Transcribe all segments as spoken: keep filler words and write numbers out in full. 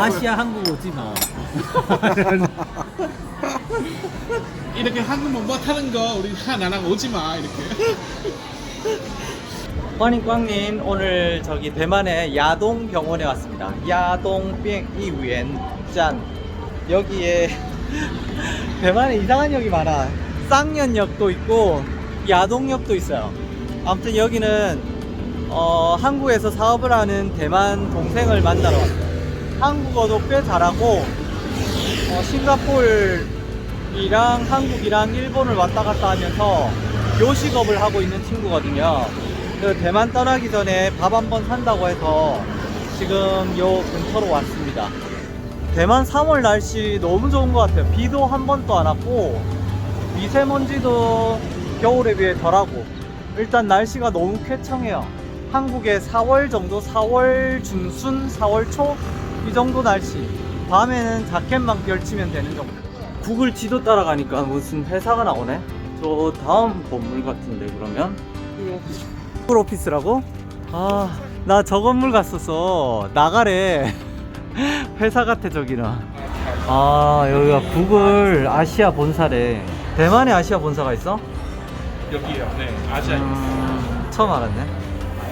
아시아 한국 오지 마. 이렇게 한국만 못하는 거 우리 하나랑 오지 마 이렇게. 환인광님 오늘 저기 대만의 야동 병원에 왔습니다. 야동 병이위엔 짠. 여기에 대만에 이상한 역이 많아. 쌍년역도 있고 야동역도 있어요. 아무튼 여기는 어, 한국에서 사업을 하는 대만 동생을 만나러 왔어요. 한국어도 꽤 잘하고 어, 싱가포르이랑 한국이랑 일본을 왔다 갔다 하면서 요식업을 하고 있는 친구거든요. 그 대만 떠나기 전에 밥 한번 산다고 해서 지금 요 근처로 왔습니다. 대만 삼월 날씨 너무 좋은 것 같아요. 비도 한 번도 안 왔고 미세먼지도 겨울에 비해 덜하고 일단 날씨가 너무 쾌청해요. 한국의 사월 정도, 사월 중순, 사월 초 이 정도 날씨. 밤에는 자켓만 걸치면 되는 정도. 구글 지도 따라가니까 무슨 회사가 나오네. 저 다음 건물 같은데 그러면? 구글 오피스라고? 아, 나 저 건물 갔었어. 나가래. 회사 같아 저기는. 아, 여기가 구글 아시아 본사래. 대만에 아시아 본사가 있어? 여기요. 네, 아시아. 음, 처음 알았네.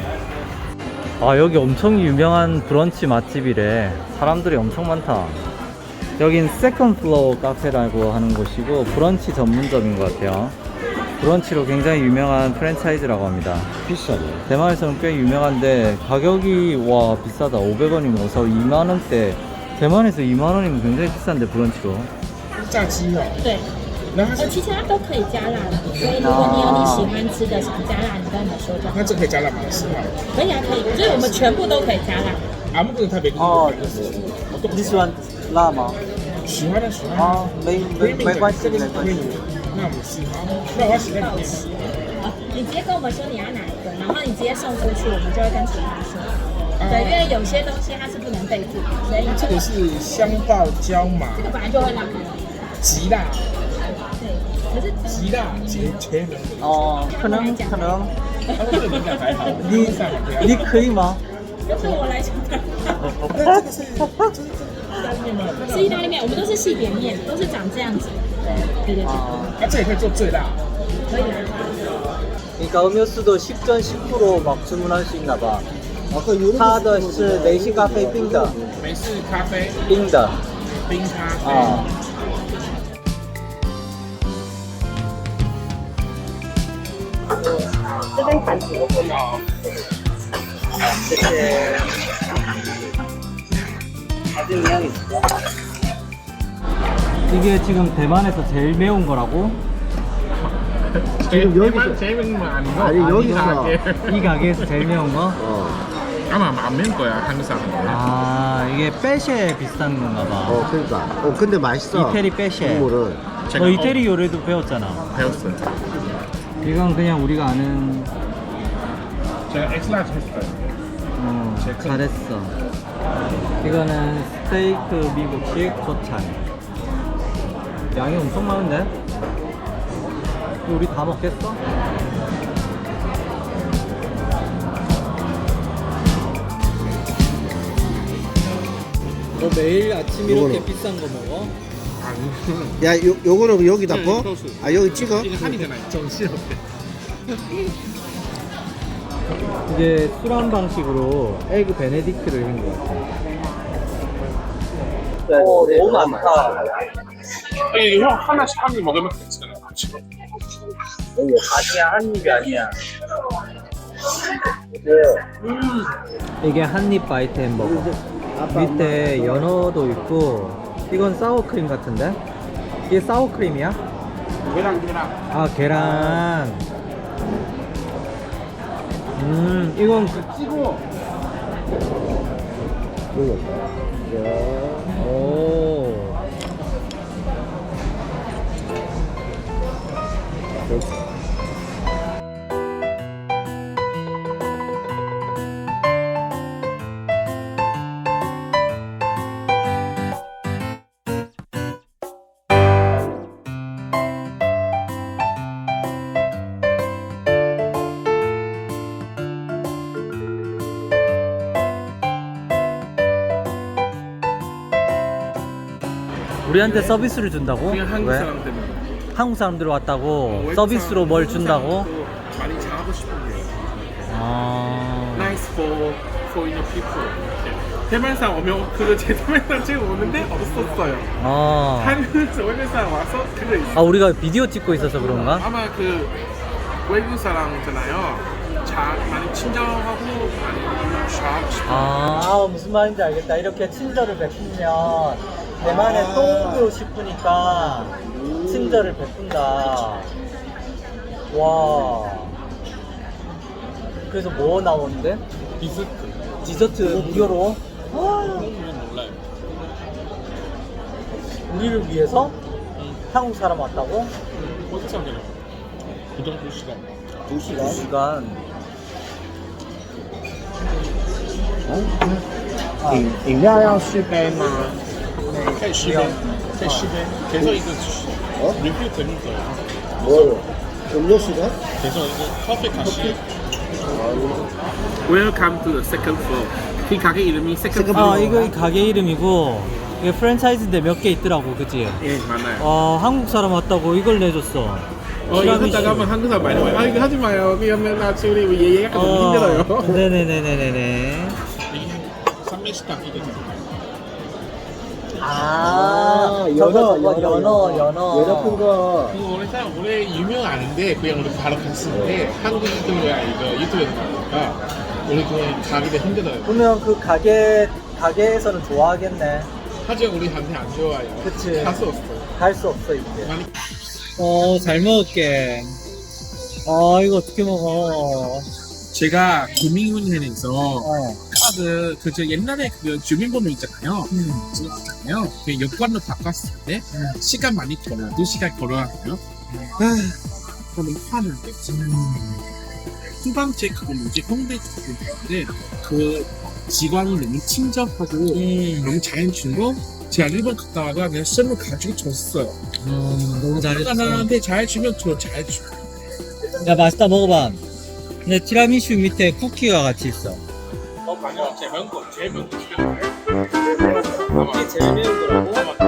아, 여기 엄청 유명한 브런치 맛집이래. 사람들이 엄청 많다. 여긴 세컨드 플로어 카페라고 하는 곳이고 브런치 전문점인 것 같아요. 브런치로 굉장히 유명한 프랜차이즈라고 합니다. 비싸네. 대만에서는 꽤 유명한데 가격이 와 비싸다. 오백 원이면 어서 이만 원대. 대만에서 이만 원이면 굉장히 비싼데 브런치로. 炸鸡哦。 对， 然后它呃， 是其实它都可以加辣的，所以如果你有你喜欢吃的想加辣，你跟我们说就好。 那这可以加辣吗？是吗？ 可以啊，可以，就是我们全部都可以加辣。 啊，不能特别。 哦我都不你喜欢辣吗？ 喜欢的喜欢的。 啊，没没没关系， 这个是没关系。 那我们试好，那我要洗在里面。 好，你直接跟我们说你要哪一个，然后你直接送出去，我们就会跟厨房说。对，因为有些东西它是不能备注的，所以这个是香爆椒麻， 这个本来就会辣。 极辣， 对，可是极辣绝绝人。 哦，可能可能， 他说这个敏感还好， 你上很不要你可以吗？ 就对我来讲， 那这个是就是意大利面吗？ 是意大利面，我们都是细扁面，都是长这样子。对对对， 啊，这也可以做最辣。 可以啊。 그러니까 음료수도 십 전 십 프로 막 주문할 수 있나 봐. 아까 요런 它的是美式咖啡冰的， 美式咖啡， 冰的冰咖啡。 啊。 这边盘子我不好， 谢谢。이게 지금 대만에서 제일 매운 거라고? 지금 여기서 재밌는 거 아니고? 아니 여기서 이 가게에서 제일 매운 거? 어, 아마 안 매운 거야 한국 사람. 아, 이게 빼쉐 비슷한 건가 봐. 어 그러니까 어 근데 맛있어. 이태리 빼쉐. 국물은 너 이태리 요리도 배웠잖아. 배웠어요. 이건 그냥 우리가 아는. 제가 엑스라지 했어요. 어, 잘했어. 이거는 스테이크 미국식 조찬. 양이 엄청 많은데? 이거 우리 다 먹겠어? 너 매일 아침 이렇게 요거는. 비싼 거 먹어? 아니, 야 요, 요거는 여기다 네, 거? 소스. 아 여기 찍어? 이거 한이잖아요. 정신없게. 이게 술한 방식으로 에그 베네딕트를 한 것 같아. 오, 너무 많다. 아니, 형 하나씩 한 입 먹으면 괜찮아요. 같이. 오, 아니야, 한 입이 아니야. 음. 이게 한입 바이트 햄버거. 밑에 연어도 있고, 이건 사워크림 같은데? 이게 사워크림이야? 계란 계란. 아, 계란. 음, 이건 그 찍어. 오. 우리한테 서비스를 준다고? 그냥 한국 왜? 사람 때문에. 한국 사람들 왔다고 어, 외국 서비스로 사람, 뭘 한국 준다고? 사람도 많이 잘하고 싶은 게. 아. Nice for foreigner people. 대만 사람 오면 그거 제 대만 사람 지금 오는데 없었어요. 아. 한국에서 외국 사람 와서 그거 있어. 아 우리가 비디오 찍고 있어서 그런가? 아마 그 외국 사람잖아요. 잘 많이 친절하고 많이 잘하고 싶어. 아, 아, 무슨 말인지 알겠다. 이렇게 친절을 베푸면 대만에 또 오고 싶으니까 친절을 베푼다. 와. 그래서 뭐 나오는데? 디저트. 디저트 무료로? 그건 몰라요. 우리를 위해서 한국 사람 왔다고? 어디서 하냐? 그 정도 시간. 두 시간. 두 시간. 饮饮料要续杯吗？ 可以续杯，可以续杯。계속 이거 어? 리필 되는 거예요. 뭐요? 음료 시간? 계속 이거 커피 다시. Welcome to the second floor. 이 가게 이름이 second floor. 아, 이거 이 가게 이름이고 이게 프랜차이즈인데 몇 개 있더라고, 그치? 예, 맞아요. 아, 한국 사람 왔다고 이걸 내줬어. 어, 이거 하다가 하면 한국 사람 많이 와요. 아, 이거 하지 마요. 그러면 나중에 우리 얘기가 너무 힘들어요. 네네네네네네. 이게 삼매식당 이게 아, 연어, 저거 연어, 연어, 연어. 연어 큰 거. 그거 원래 사람 원래 유명 아닌데 그냥 우리 바로 갔었는데 한국 유튜브야 이거 유튜브에서 나오니까 우리 그냥 가기가 힘들어요. 그러면 그 가게, 가게에서는 좋아하겠네. 하지만 우리한테 안 좋아요. 그치. 갈 수 없어. 갈 수 없어, 이제. 많이 어, 잘 먹을게. 아, 이거 어떻게 먹어? 제가 구민은행에서 어. 카드 그저 옛날에 그 주민번호 있잖아요. 음. 그거 있잖아요. 그 여권을 바꿨을 때 시간 많이 걸어요. 두 시간 걸어야 해요. 아, 그러면 화를 냈지. 두 번째 그거 뭐지? 홍대 쪽인데 그 직원이 너무 친절하고 음. 너무 잘해주고 제가 일본 갔다 와가 그냥 쌤을 가지고 줬어요. 음, 너무 잘했어. 나한테 잘해주면 저 잘해줘. 야, 맛있다, 먹어봐. 근데 티라미슈 밑에 쿠키가 같이 있어. 어, 아니요. 제 매운 거, 제일 매운 거. 이게 제일 매운 거라고?